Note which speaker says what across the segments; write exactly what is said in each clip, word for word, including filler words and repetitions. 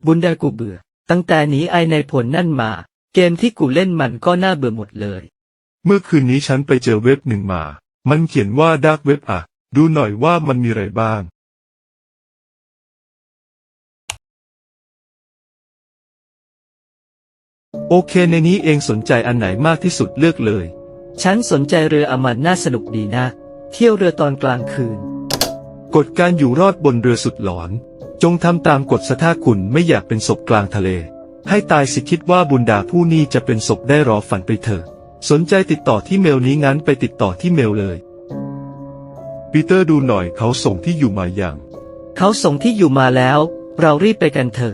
Speaker 1: บุญดากูเบื่อตั้งแต่หนีไอในผลนั่นมาเกมที่กูเล่นมันก็น่าเบื่อหมดเลย
Speaker 2: เมื่อคืนนี้ฉันไปเจอเว็บหนึ่งมามันเขียนว่าดาร์กเว็บอ่ะดูหน่อยว่ามันมีอะไรบ้างโอเคในนี้เองสนใจอันไหนมากที่สุดเลือกเลย
Speaker 1: ฉันสนใจเรืออมันน่าสนุกดีนะเที่ยวเรือตอนกลางคืน
Speaker 2: กฎการอยู่รอดบนเรือสุดหลอนจงทำตามกฎซะถ้าคุณไม่อยากเป็นศพกลางทะเลให้ตายสิคิดว่าบุญดาผู้นี้จะเป็นศพได้รอฝันไปเถอะสนใจติดต่อที่เมลนี้งั้นไปติดต่อที่เมลเลยปีเตอร์ดูหน่อยเขาส่งที่อยู่มาอย่าง
Speaker 1: เขาส่งที่อยู่มาแล้วเรารีบไปกันเถอะ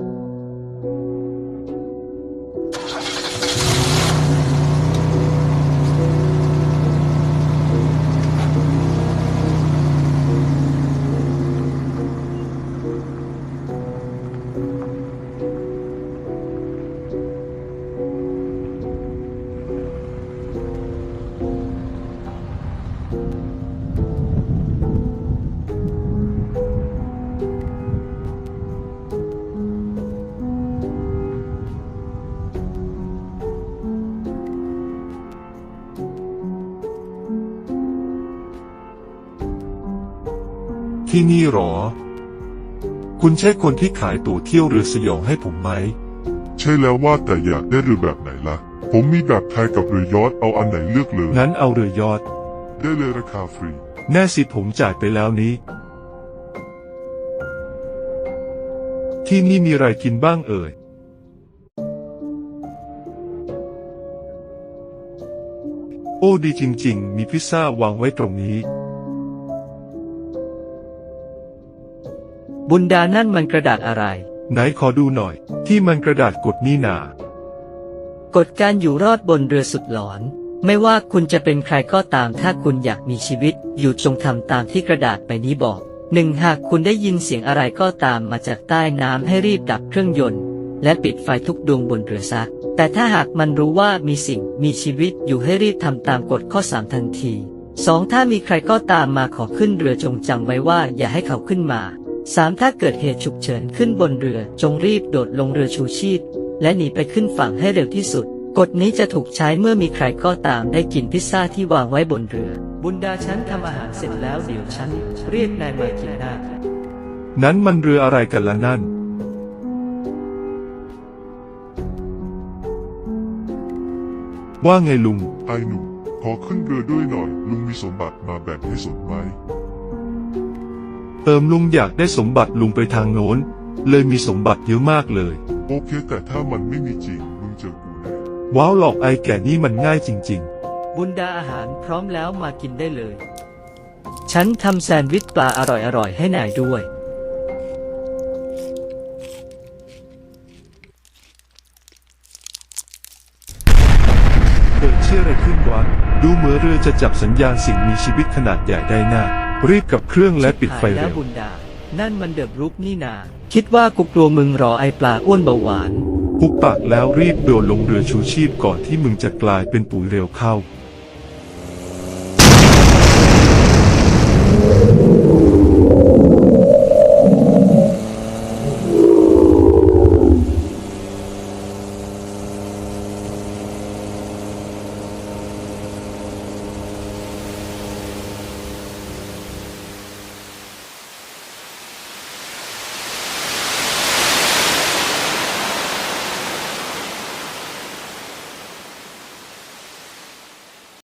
Speaker 2: ที่นี่หรอคุณใช่คนที่ขายตั๋วเที่ยวเรือสยองให้ผมไหม
Speaker 3: ใช่แล้วว่าแต่อยากได้เรือแบบไหนล่ะผมมีแบบไทยกับเรือยอชต์เอาอันไหนเลือกเลย
Speaker 2: งั้นเอาเรือยอชต์
Speaker 3: ได้เลยราคาฟรี
Speaker 2: แน่สิผมจ่ายไปแล้วนี้ที่นี่มีอะไรกินบ้างเอ่ยโอ้ดีจริงๆมีพิซซ่าวางไว้ตรงนี้
Speaker 1: บุญดานั่นมันกระดาษอะไร
Speaker 2: ไหนขอดูหน่อยที่มันกระดาษกดนี่น
Speaker 1: ากฎการอยู่รอดบนเรือสุดหลอนไม่ว่าคุณจะเป็นใครก็ตามถ้าคุณอยากมีชีวิตอยู่จงทำตามที่กระดาษใบนี้บอกหนึ่งหากคุณได้ยินเสียงอะไรก็ตามมาจากใต้น้ำให้รีบดับเครื่องยนต์และปิดไฟทุกดวงบนเรือซะแต่ถ้าหากมันรู้ว่ามีสิ่งมีชีวิตอยู่ให้รีบทำตามกฎข้อสามทันทีสองถ้ามีใครก็ตามมาขอขึ้นเรือจงจำไว้ว่าอย่าให้เขาขึ้นมาสามถ้าเกิดเหตุฉุกเฉินขึ้นบนเรือจงรีบโดดลงเรือชูชีพและหนีไปขึ้นฝั่งให้เร็วที่สุดกฎนี้จะถูกใช้เมื่อมีใครก็ตามได้กินพิซซ่าที่วางไว้บนเรือบุญดาฉันทำอาหารเสร็จแล้วเดี๋ยวฉันเรียกนายมากินหน้า
Speaker 2: นั้นมันเรืออะไรกันล่ะนั่นว่าไงลุง
Speaker 3: ไอ้หนุ่มขอขึ้นเรือด้วยหน่อยลุงมีสมบัติมาแบ่งให้สนไหม
Speaker 2: เอิมลุงอยากได้สมบัติลุงไปทางโน้นเลยมีสมบัติเยอะมากเลย
Speaker 3: โอเคแต่ถ้ามันไม่มีจริงมึงเจอกูแน่
Speaker 2: ว้าวหลอกไอ้แก่นี่มันง่ายจริง
Speaker 1: ๆบุญดาอาหารพร้อมแล้วมากินได้เลยฉันทำแซนด์วิชปลาอร่อยๆให้นายด้วย
Speaker 2: เกิดเชื่ออะไรขึ้นวะดูเหมือนเรือจะจับสัญญาณสิ่งมีชีวิตขนาดใหญ่ได้น่ารีบกับเครื่องและปิดไฟเร็ว
Speaker 1: บุญดานั่นมันเดือบรุกนี่นาคิดว่ากูกลัวมึงรอไอปลาอ้วนเบาหวาน
Speaker 2: ปุบปากแล้วรีบโดดลงเรือชูชีพก่อนที่มึงจะกลายเป็นปุ๋ยเร็วเข้า